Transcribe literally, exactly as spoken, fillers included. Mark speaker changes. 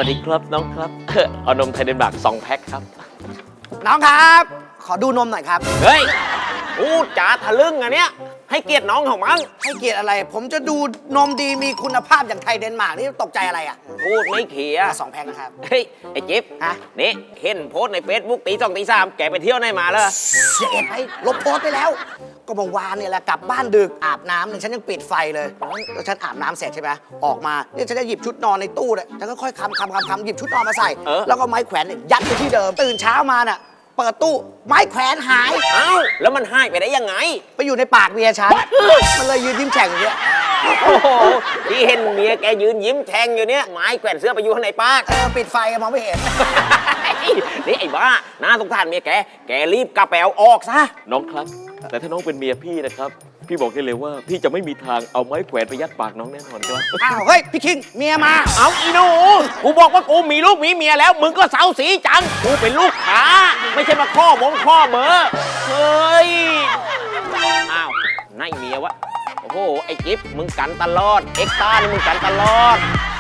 Speaker 1: สดีครับน้องครับเอานมไทยเดนมาร์กสองแพ็คครับ
Speaker 2: น้องครับขอดูนมหน่อยครับ
Speaker 1: เฮ้ยพูดจาทะลึ่งอันเนี้ยให้เกียรติน้องของมั้ง
Speaker 2: ให้เกียรติอะไรผมจะดูนมดีมีคุณภาพอย่างไทยเดนมาร์กนี่ตกใจอะไรอ่ะ
Speaker 1: พูดไม่เขีย
Speaker 2: สองแพ็คนะครับ
Speaker 1: เฮ้ยไอ้จิ๊บ
Speaker 2: ฮะ
Speaker 1: นี่เห็นโพสในเฟซบุ๊กตีสองตีสามแกไปเที่ยวไหนมาเลย
Speaker 2: เสียเอ็ดไปลบโพสไปแล้วก็เมื่อวานเนี่ยแหละกลับบ้านดึกอาบน้ำเนี่ยฉันยังปิดไฟเลยแล้วฉันอาบน้ำเสร็จใช่ไหมออกมาเนี่ยฉันจะหยิบชุดนอนในตู้เนี่ยฉันก็ค่อยคำคำคำคำหยิบชุดนอนมาใส่แล้วก็ไม้แขวนเนี่ยยัดไปที่เดิมตื่นเช้ามาน่ะเปิดตู้ไม้แขวนหาย
Speaker 1: เอ้าแล้วมันหายไปได้ยังไง
Speaker 2: ไปอยู่ในปากเมียฉันมันเลยยืนยิ้มแฉ่งอย่างเงี้ย
Speaker 1: โอ้โหที่เห็นเมียแกยืนยิ้มแทงอยู่เนี้ยไม้แขวนเสื้อไปอยู่ข้างในปาก
Speaker 2: เออปิดไฟมองไม่เห็น
Speaker 1: นี่ไอ้บ้าน่าสงสารเมียแกแกรีบกระแปวออกซะน้องครับแต่ถ้าน้องเป็นเมียพี่นะครับพี่บอกได้เลยว่าพี่จะไม่มีทางเอาไม้แขวนไปยัดปากน้องแน่นอนครับ
Speaker 2: อ้าวเฮ้ยพี่คิงเมียมา
Speaker 1: เอาอีหนูกูบอกว่ากูมีลูกมีเมียแล้วมึงก็เสาสีจังกูเป็นลูกค้าไม่ใช่มาข้อมงข้อเบอร์เฮ้ยอ้าวนั่นเมียวะโอ้โหไอ้จิ๊บมึงกันตลอดเอ็กซ์ต้านี่มึงกันตลอด